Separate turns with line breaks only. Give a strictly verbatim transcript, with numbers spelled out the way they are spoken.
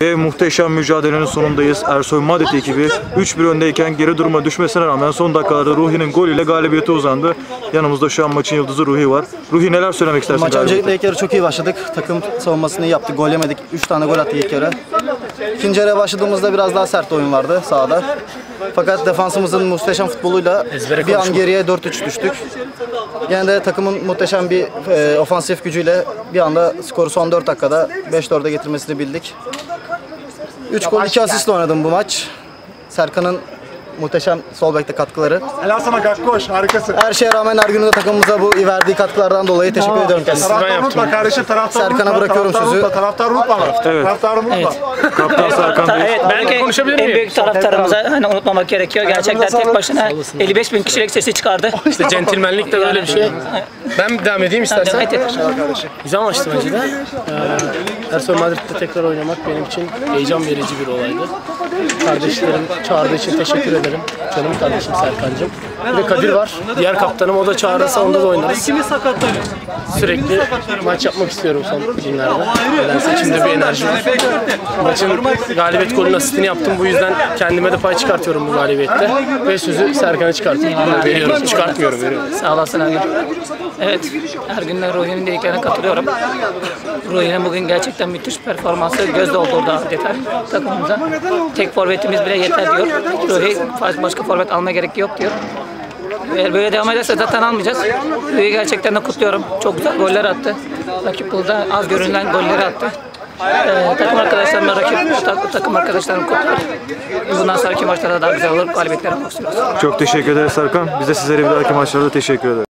Ve muhteşem mücadelenin sonundayız. Ersoy Madet ekibi üç bir öndeyken geri duruma düşmesine rağmen son dakikalarda Ruhi'nin golüyle galibiyete uzandı. Yanımızda şu an maçın yıldızı Ruhi var. Ruhi, neler söylemek istersin?
Maç öncelikle ilk yarı çok iyi başladık. Takım savunmasını iyi yaptık. Gol yemedik. üç tane gol attık ilk yarı. İkinci yarıya başladığımızda biraz daha sert oyun vardı sahada. Fakat defansımızın muhteşem futboluyla bir an geriye dört üç düştük. Gene de takımın muhteşem bir e, ofansif gücüyle bir anda skoru son dört dakikada beş dörde getirmesini bildik. üç gol iki asistle oynadım bu maç. Serkan'ın muhteşem sol bekte katkıları.
Helal sana Gakkoş, harikasın.
Her şeye rağmen Ergün'ün de takımımıza bu verdiği katkılardan dolayı teşekkür ediyorum kendisine.
Taraftar unutma kardeşim, taraftar unutma.
Serkan'a bırakıyorum
taraftar
sözü.
Unutma, taraftar unutma.
Evet.
Taraftar unutma.
Evet.
Kaptan Serkan Bey.
Evet, belki en büyük taraftarımıza hani unutmamak gerekiyor. Gerçekten tek başına elli beş bin kişilik sesi çıkardı.
İşte centilmenlik de böyle bir şey. Ben devam edeyim istersen.
Evet, evet.
Güzel maçtı bence de. Ee, Ersoy Madrid'de tekrar oynamak benim için heyecan verici bir olaydı. Kardeşlerim çağırdığı için teşekkür ederim. Canım kardeşim Serkan'cığım. Bir de Kadir var. Diğer kaptanım, o da çağırırsa onda da oynarız. Sürekli maç yapmak istiyorum son günlerde. Nedense içimde bir enerji var. Maçın galibiyet golünün asistini yaptım. Bu yüzden kendime de pay çıkartıyorum bu galibiyette. Ve sözü Serkan'a çıkartıyorum. Veriyorum. Çıkartmıyorum. Veriyorum.
Sağ olasın Ergün. Evet, Ergün'le Ruhi'nin dediklerine katılıyorum. Ruhi'nin bugün gerçekten müthiş performansı göz doldurdu adeta takımımıza. Tek forvetimiz bile yeter diyor. Ruhi başka forvet almaya gerek yok diyor. Eğer böyle devam ederse zaten almayacağız. Ruhi'yi gerçekten de kutluyorum. Çok güzel goller attı. Rakip burada az görünen golleri attı. Ee, takım arkadaşlarımla rakip tak, takım arkadaşlarım kutluyor. Bundan sonraki maçlarda daha güzel olur. Galibiyetler almak istiyoruz.
Çok teşekkür ederiz Serkan. Biz de sizlere bir dahaki maçlarda teşekkür ederiz.